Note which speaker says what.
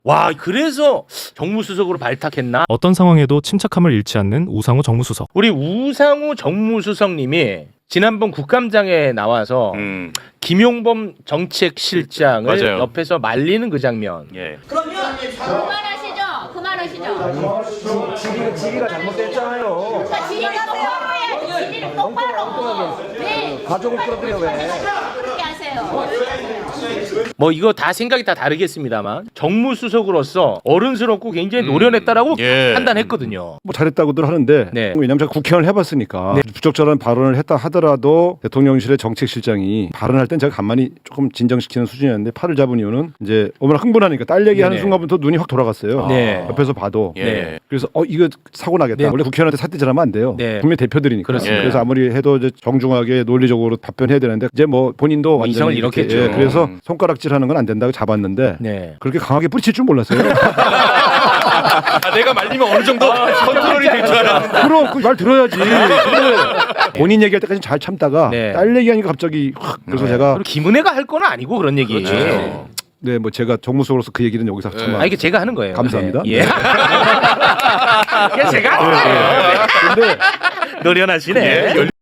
Speaker 1: 와, 그래서 정무수석으로 발탁했나?
Speaker 2: 어떤 상황에도 침착함을 잃지 않는 우상호 정무수석.
Speaker 1: 우리 우상호 정무수석님이 지난번 국감장에 나와서 김용범 정책실장을
Speaker 3: 맞아요.
Speaker 1: 옆에서 말리는 그 장면.
Speaker 3: 예.
Speaker 4: 그만하시죠. 그만하시죠.
Speaker 5: 지리가 잘못됐잖아요.
Speaker 4: 지리를 똑바로 해야지. 지리를 똑바로. 네.
Speaker 5: 가족을 끌어들여 왜?
Speaker 4: 그렇게 하세요.
Speaker 1: 뭐 이거 다 생각이 다 다르겠습니다만 정무수석으로서 어른스럽고 굉장히 노련했다라고
Speaker 3: 예.
Speaker 1: 판단했거든요.
Speaker 6: 뭐 잘했다고들 하는데
Speaker 1: 네.
Speaker 6: 왜냐하면 제가 국회의원을 해봤으니까
Speaker 1: 네.
Speaker 6: 부적절한 발언을 했다 하더라도 대통령실의 정책실장이 발언할 땐 제가 가만히 조금 진정시키는 수준이었는데 팔을 잡은 이유는 이제 얼마나 흥분하니까 딸 얘기하는
Speaker 1: 네네.
Speaker 6: 순간부터 눈이 확 돌아갔어요.
Speaker 1: 네.
Speaker 6: 옆에서 봐도.
Speaker 3: 예.
Speaker 1: 네.
Speaker 6: 그래서 이거 사고 나겠다.
Speaker 1: 네.
Speaker 6: 원래 국회의원한테 삿대질하면 안 돼요.
Speaker 1: 네.
Speaker 6: 분명 대표들이니까.
Speaker 1: 그렇습니다.
Speaker 6: 그래서 아무리 해도 이제 정중하게 논리적으로 답변해야 되는데 이제 뭐 본인도 완전히
Speaker 1: 이성을
Speaker 6: 이렇게,
Speaker 1: 잃었겠죠.
Speaker 6: 그래서 손가락질하는 건 안 된다고 잡았는데
Speaker 1: 네.
Speaker 6: 그렇게 강하게 뿌리칠 줄 몰랐어요.
Speaker 3: 아, 내가 말리면 어느 정도 컨트롤이 될 줄 알았는데.
Speaker 6: 그럼 그 말 들어야지. 근데 본인 얘기할 때까지 잘 참다가
Speaker 1: 네.
Speaker 6: 딸 얘기하니까 갑자기 확 그래서 제가
Speaker 1: 그리고 김은혜가 할 건 아니고 그런 얘기.
Speaker 3: 그렇죠.
Speaker 6: 네 뭐 제가 정무수로서 그 얘기는 여기서 참아.
Speaker 1: 아 이게 제가 하는 거예요.
Speaker 6: 감사합니다.
Speaker 1: 네. 예. 이게 제가 하는 거예요.
Speaker 6: 근데
Speaker 1: 노련하시네.